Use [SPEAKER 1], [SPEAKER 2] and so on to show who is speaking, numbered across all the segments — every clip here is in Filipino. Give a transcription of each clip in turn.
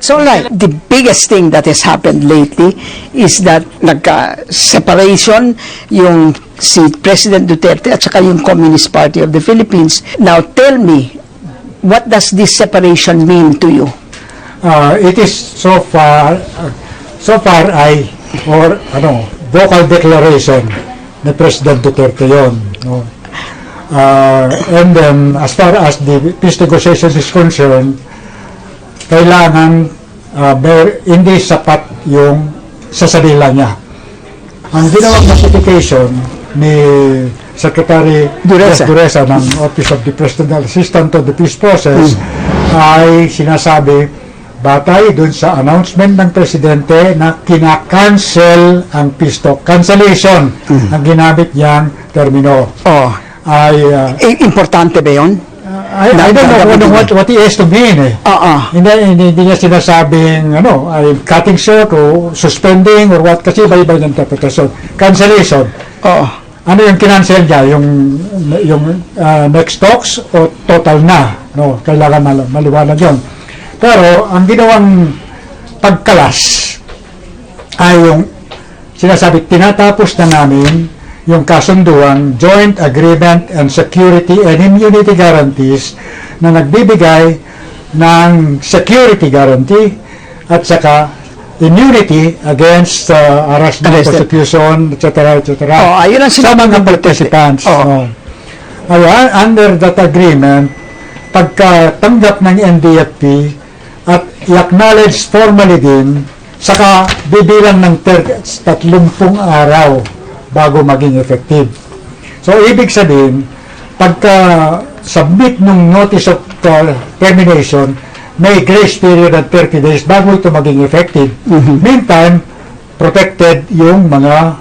[SPEAKER 1] So like, the biggest thing that has happened lately is that nagka-separation yung si President Duterte at saka yung Communist Party of the Philippines. Now tell me, what does this separation mean to you?
[SPEAKER 2] It is so far vocal declaration ni President Duterte yon, no? And then as far as the peace negotiation is concerned, kailangan hindi sapat yung sasadila niya. Ang ginawang notification ni Secretary Duresa ng Office of the Presidential Assistant to the Peace Process ay sinasabi batay dun sa announcement ng Presidente na kinakancel ang peace talk. Cancellation ang ginamit niyang termino.
[SPEAKER 1] Importante ba yun?
[SPEAKER 2] I don't know what he has to mean eh. Hindi niya sinasabing I'm cutting short o suspending or what, kasi iba-iba yung interpretation. Cancellation. Ano yung kinancel niya? Yung next talks o total na? No, kailangan maliwanag yun. Pero ang ginawang pagkalas ay yung sinasabi, tinatapos na namin yung kasunduang Joint Agreement and Security and Immunity Guarantees na nagbibigay ng security guarantee at saka immunity against harassment, persecution, etc.
[SPEAKER 1] Ayun ang
[SPEAKER 2] sa mga participants. Under that agreement, pagkatanggap ng NDFP at i-acknowledge formally din, saka bibilang ng 30 araw bago maging effective. So, ibig sabihin, pagka-submit ng notice of termination, may grace period at 30 days bago ito maging effective. Meantime, protected yung mga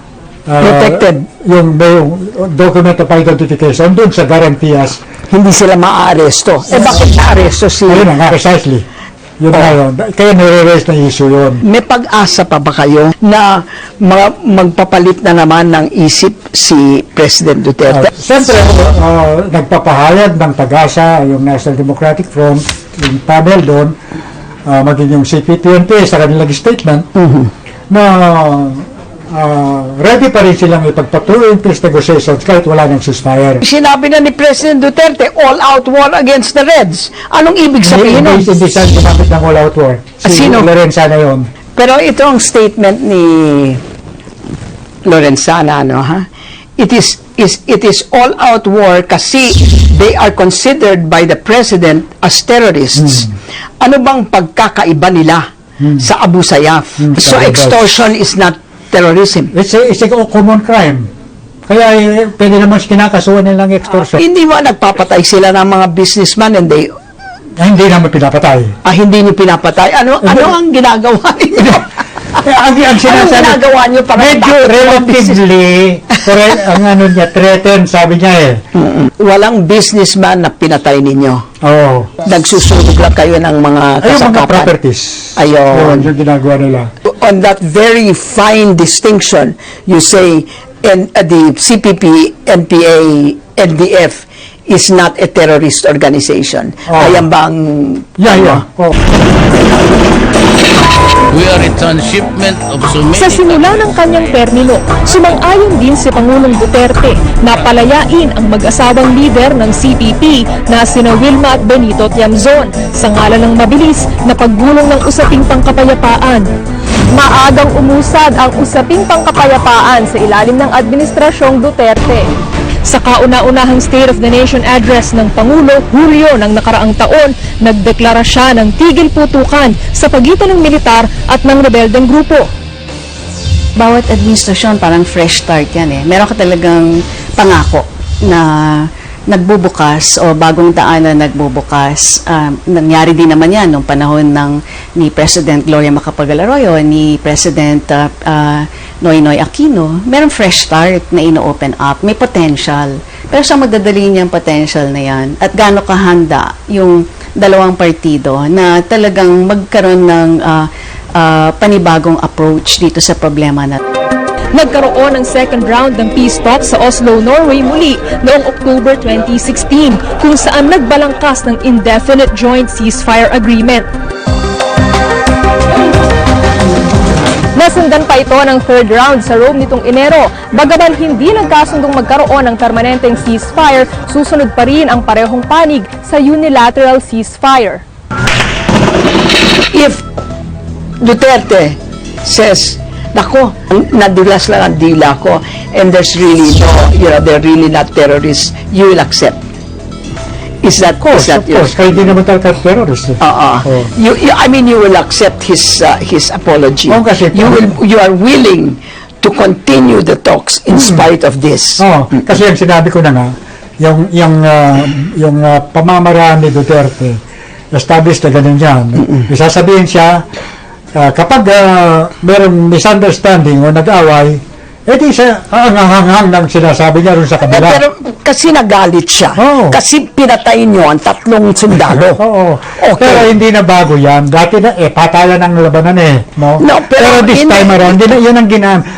[SPEAKER 2] yung document of identification dun sa garantias.
[SPEAKER 1] Hindi sila ma-aresto. Bakit na-aresto sila?
[SPEAKER 2] Ayun nga, precisely. Yun kaya nire-raise na issue yun.
[SPEAKER 1] May pag-asa pa ba kayo na magpapalit na naman ng isip si President Duterte?
[SPEAKER 2] Siyempre, nagpapahayag ng pag-asa yung National Democratic Front, yung panel doon, maging yung CPTNP sa kanilang statement, na ready pa rin silang ipagpatuloy yung peace negotiations kahit wala ng ceasefire.
[SPEAKER 1] Sinabi na ni President Duterte, all-out war against the Reds. Anong ibig sabihin nun?
[SPEAKER 2] Hindi siya gumamit ng all-out war.
[SPEAKER 1] Sino?
[SPEAKER 2] Lorenzana yun.
[SPEAKER 1] Pero itong statement ni Lorenzana, it is all-out war kasi they are considered by the President as terrorists. Ano bang pagkakaiba nila sa Abu Sayyaf? So extortion is not terrorism.
[SPEAKER 2] It's a common crime. Kaya pwede naman kinakasuhan nilang extortion.
[SPEAKER 1] Hindi mo nagpapatay sila ng mga businessman and they...
[SPEAKER 2] hindi naman pinapatay.
[SPEAKER 1] Hindi niyo pinapatay? Ano ang ginagawa niyo?
[SPEAKER 2] Ang
[SPEAKER 1] ginagawa niyo para
[SPEAKER 2] medyo relatively threatened, sabi niya
[SPEAKER 1] Walang businessman na pinatay ninyo. Nagsusunog lang kayo ng mga kasangkapan.
[SPEAKER 2] Mga properties.
[SPEAKER 1] Ayun.
[SPEAKER 2] Yung ginagawa nila.
[SPEAKER 1] On that very fine distinction, you say the CPP, NPA, NDF is not a terrorist organization. Ayan bang...
[SPEAKER 3] We are in transshipment of so many...
[SPEAKER 4] Sa simula ng kanyang termino, sumang-ayon din si Pangulong Duterte na palayain ang mag-asawang lider ng CPP na sina Wilma at Benito Tiamzon sa ngalan ng mabilis na paggulong ng usaping pangkapayapaan. Maagang umusad ang usaping pangkapayapaan sa ilalim ng Administrasyong Duterte. Sa kauna-unahang State of the Nation Address ng Pangulo, Hulyo ng nakaraang taon, nagdeklara siya ng tigil putukan sa pagitan ng militar at ng rebeldeng grupo.
[SPEAKER 5] Bawat administrasyon parang fresh start yan Meron ka talagang pangako na nagbubukas o bagong daan na nagbubukas. Nangyari din naman yan nung panahon ni President Gloria Macapagal-Arroyo, ni President Noynoy Aquino. Merong fresh start na ino-open up. May potential. Pero sa magdadali niyang potential na yan at gaano kahanda yung dalawang partido na talagang magkaroon ng panibagong approach dito sa problema na
[SPEAKER 4] Nagkaroon ng second round ng peace talks sa Oslo, Norway muli noong October 2016 kung saan nagbalangkas ng indefinite joint ceasefire agreement. Sinasundan pa ito ng third round sa Rome nitong Enero. Bagaman hindi nagkasundong magkaroon ng permanenteng ceasefire, susunod pa rin ang parehong panig sa unilateral ceasefire.
[SPEAKER 1] If Duterte says, nako, nadulas lang ang dila ko, and there's really no, they're really not terrorists, you will accept. Is that
[SPEAKER 2] Of course, kaya hindi naman talaga terrorist.
[SPEAKER 1] I mean, you will accept his apology.
[SPEAKER 2] Oo, kasi-
[SPEAKER 1] You are willing to continue the talks in spite of this.
[SPEAKER 2] Kasi yung sinabi ko na nga, yung pamamaraan ni Duterte, established na ganun yan. Isasabihin siya, kapag merong misunderstanding o nag-away, edi siya hanghang lang sinasabi niya rin sa kabila.
[SPEAKER 1] Pero kasi nagalit siya.
[SPEAKER 2] Oo.
[SPEAKER 1] Kasi pinatay niyo ang 3 sundalo.
[SPEAKER 2] Oo.
[SPEAKER 1] Okay.
[SPEAKER 2] Pero hindi na bago yan. Dati na, patayan ang labanan No?
[SPEAKER 1] No, pero
[SPEAKER 2] this time around, yun ang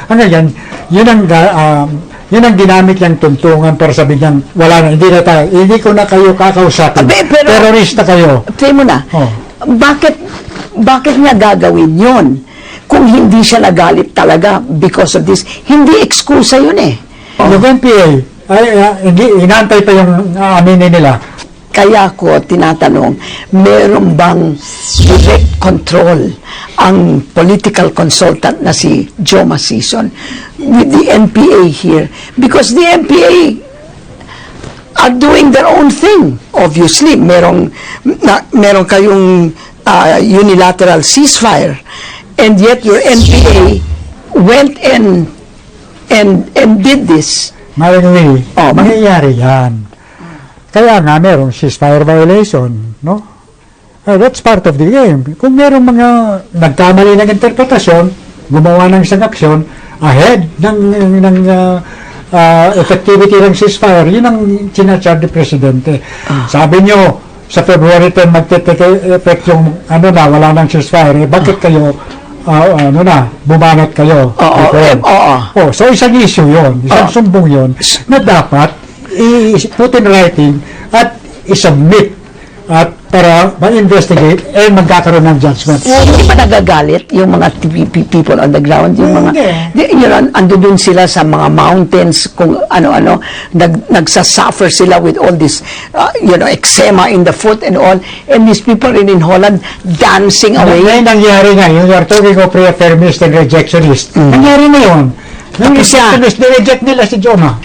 [SPEAKER 2] yun ang ginamit niyang tuntungan para sabihin niyang, wala na, hindi ko na kayo kakausapin.
[SPEAKER 1] Pero-
[SPEAKER 2] Terorista kayo.
[SPEAKER 1] Tingnan mo na,
[SPEAKER 2] Oh.
[SPEAKER 1] bakit niya gagawin yon? Kung hindi siya nagalit talaga because of this, hindi ekskusa yun eh.
[SPEAKER 2] Yung NPA, inaantay pa yung aminin nila.
[SPEAKER 1] Kaya ko tinatanong, meron bang direct control ang political consultant na si Joe Masison with the NPA here? Because the NPA are doing their own thing. Obviously, meron kayong unilateral ceasefire, and yet your NPA went and did this.
[SPEAKER 2] Maringly,
[SPEAKER 1] Oh,
[SPEAKER 2] mangyayari yan. Kaya nga merong ceasefire violation, no? That's part of the game. Kung merong mga nagkamali ng interpretasyon, gumawa ng isang aksyon ahead ng effectivity ng ceasefire, yun ang sinacharge ni Presidente. Sabi nyo, sa February 10 magte-take effect yung wala nang ceasefire, bakit kayo bumanat kayo? So isang issue yun, isang sumbong yun, na dapat i-put in writing at i-submit at para ma-investigate and magkakaroon ng judgment.
[SPEAKER 1] Hindi ba nagagalit yung mga people on the ground? Yung mga, ando dun sila sa mga mountains, kung ano-ano, nagsasuffer sila with all this, eczema in the foot and all, and these people in Holland dancing away.
[SPEAKER 2] Ngayon nangyari nga, you are talking of reaffirmist and rejectionist. Nangyari na yun. Nang rejectionist, nireject nila si Jonah.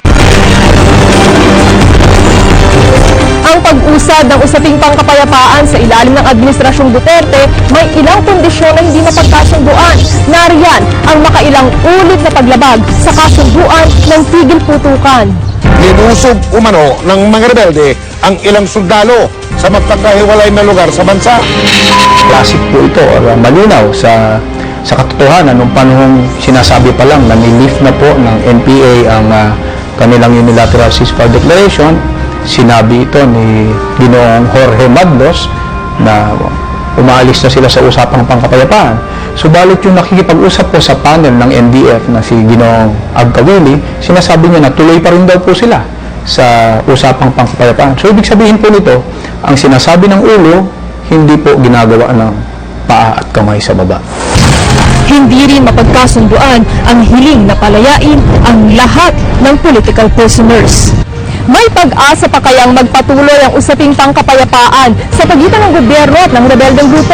[SPEAKER 4] Ang pag-usad ng usaping pangkapayapaan sa ilalim ng Administrasyong Duterte may ilang kondisyon na hindi mapagkasunduan. Nariyan ang makailang ulit na paglabag sa kasunduan ng tigil putukan.
[SPEAKER 6] Linusog umano ng mga rebelde ang ilang sundalo sa magpagkahiwalay na lugar sa bansa.
[SPEAKER 7] Classic po ito or malinaw sa katotohanan nung panahong sinasabi pa lang na nilift na po ng NPA ang kanilang unilateral ceasefire declaration. Sinabi ito ni Ginoong Jorge Magdos na umaalis na sila sa usapang pangkapayapaan. Subalit yung nakikipag-usap po sa panel ng NDF na si Ginoong Agkawili, sinasabi niya na tuloy pa rin daw po sila sa usapang pangkapayapaan. So ibig sabihin po nito, ang sinasabi ng ulo, hindi po ginagawa ng paa at kamay sa baba.
[SPEAKER 4] Hindi rin mapagkasunduan ang hiling na palayain ang lahat ng political prisoners. May pag-asa pa kayang magpatuloy ang usaping pangkapayapaan sa pagitan ng gobyerno at ng rebeldeng grupo?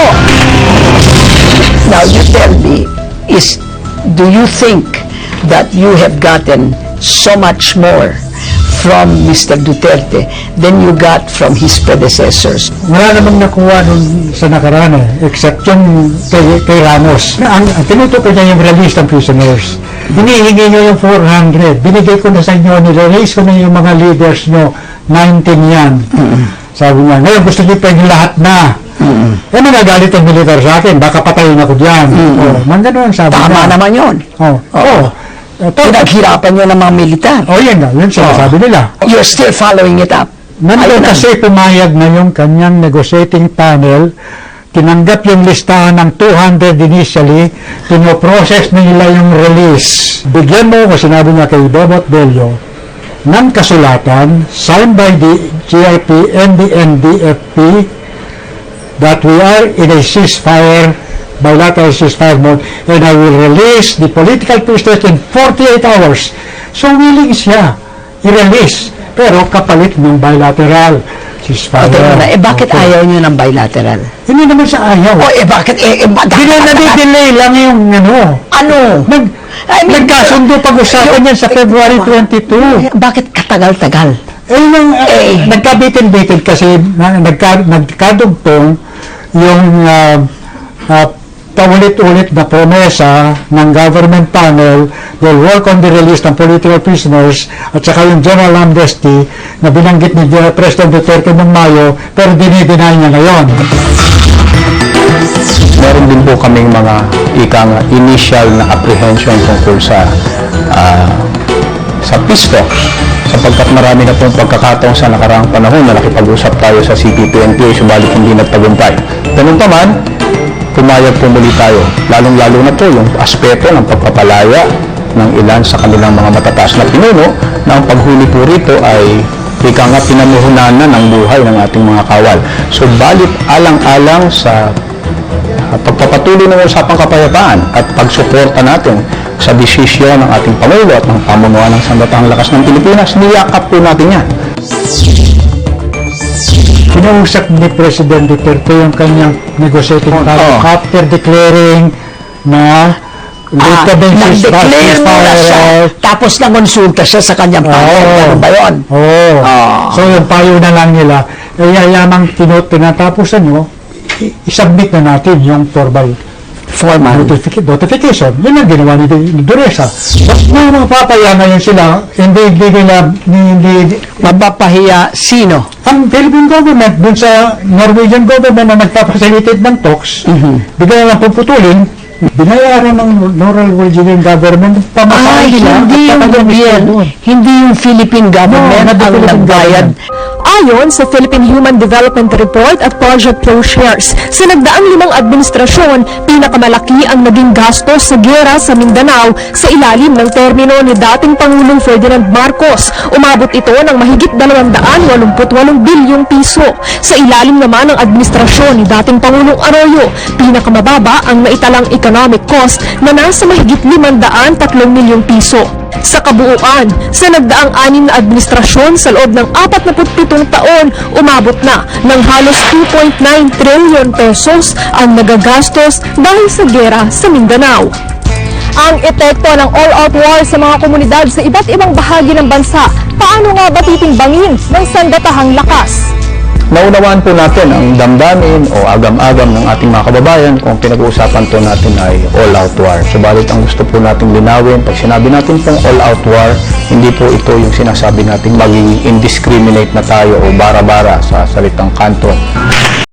[SPEAKER 1] Now, you tell me, do you think that you have gotten so much more from Mr. Duterte than you got from his predecessors?
[SPEAKER 2] Wala namang nakuha nun sa nakaraan except yung kay Ramos. Ang tinutukoy niya yung release ng prisoners. Hinihingi nyo yung 400. Binigay ko na sa inyo, nirelease ko na yung mga leaders nyo. 19 yan. Sabi niya, ngayon gusto niyo pa yung lahat na. Eh, nagagalit ang militar sa akin. Baka patayin ako dyan. Ganun ang sabi niya.
[SPEAKER 1] Tama naman yun. Pinaghirapan nyo ng mga militar.
[SPEAKER 2] Yan nga. Yun sinasabi nila.
[SPEAKER 1] You're still following it up.
[SPEAKER 2] Nandun kasi pumayag na yung kanyang negotiating panel, tinanggap yung listahan ng 200 initially, pinoprocess na nila yung release. Bigyan mo, kung sinabi niya kay Bobot Bello, ng kasulatan signed by the GIP and the NDFP that we are in a ceasefire bilateral ceasefire mode and I will release the political prisoners in 48 hours. So willing siya i-release, pero kapalit ng bilateral ceasefire.
[SPEAKER 1] Bakit
[SPEAKER 2] Okay.
[SPEAKER 1] ayaw nyo ng bilateral?
[SPEAKER 2] Hindi naman sa ayaw.
[SPEAKER 1] Bakit?
[SPEAKER 2] Nadidelay lang yung
[SPEAKER 1] Ano?
[SPEAKER 2] Nagkasundo pag-usapan yan sa February 22.
[SPEAKER 1] Bakit katagal-tagal?
[SPEAKER 2] Nagkabitin-bitin kasi nagkadugtong yung paulit-ulit na promesa ng government panel will work on the release ng political prisoners at saka yung general amnesty na binanggit ni President Duterte noong Mayo pero dinideny niya ngayon.
[SPEAKER 7] Meron din po kaming mga initial na apprehension tungkol sa peace talks sapagkat marami na pong pagkakataon sa nakaraang panahon na nakipag-usap tayo sa CPP-NPA subalit hindi nagtagumpay. Ganun pa man, pumayag po muli tayo. Lalong-lalo na po yung aspeto ng pagpapalaya ng ilan sa kanilang mga matataas na pinuno na ang paghuli po rito ay pinamuhunan na ng buhay ng ating mga kawal. So, balit alang-alang sa pagpapatuloy ng usapang kapayapaan at pagsuporta natin sa desisyon ng ating Pangulo at ng pamunuan ng Sandatahang Lakas ng Pilipinas, niyakap po natin yan.
[SPEAKER 2] Kinausap ni President Duterte yung kanyang negotiating power after declaring na
[SPEAKER 1] nag-declare muna siya, tapos nangonsulta siya sa kanyang panel. Ano ba yun?
[SPEAKER 2] So yung payo na lang nila, yamang tinatapusan nyo, isubmit na natin yung formal notification. Yun ang ginawa ni Duresa. May mga papaya ngayon sila, hindi
[SPEAKER 1] Mapapahiya sino?
[SPEAKER 2] ang Philippine government dun sa Norwegian government na nagpapasalitate ng talks, bigla lang puputulin, binayaran ng Norwegian government pamasahe nila.
[SPEAKER 1] Hindi yung gobyerno, hindi yung Philippine government ang nagbayad.
[SPEAKER 4] Ayon sa Philippine Human Development Report at Project ProShares, sa nagdaang 5 administrasyon, pinakamalaki ang naging gastos sa giyera sa Mindanao sa ilalim ng termino ni dating Pangulong Ferdinand Marcos. Umabot ito ng mahigit 288 bilyong piso. Sa ilalim naman ng administrasyon ni dating Pangulong Arroyo, pinakamababa ang naitalang economic cost na nasa mahigit 503 milyong piso. Sa kabuuan, sa nagdaang 6 na administrasyon sa loob ng 47 taon, umabot na ng halos 2.9 trillion pesos ang nagagastos dahil sa giyera sa Mindanao. Ang epekto ng all-out war sa mga komunidad sa iba't ibang bahagi ng bansa, paano nga ba titimbangin ng Sandatahang Lakas?
[SPEAKER 7] Naunawaan po natin ang damdamin o agam-agam ng ating mga kababayan kung pinag-uusapan po natin ay all-out war. Subalit ang gusto po nating linawin, pag sinabi natin pong all-out war, hindi po ito yung sinasabi natin maging indiscriminate na tayo o bara-bara sa salitang kanto.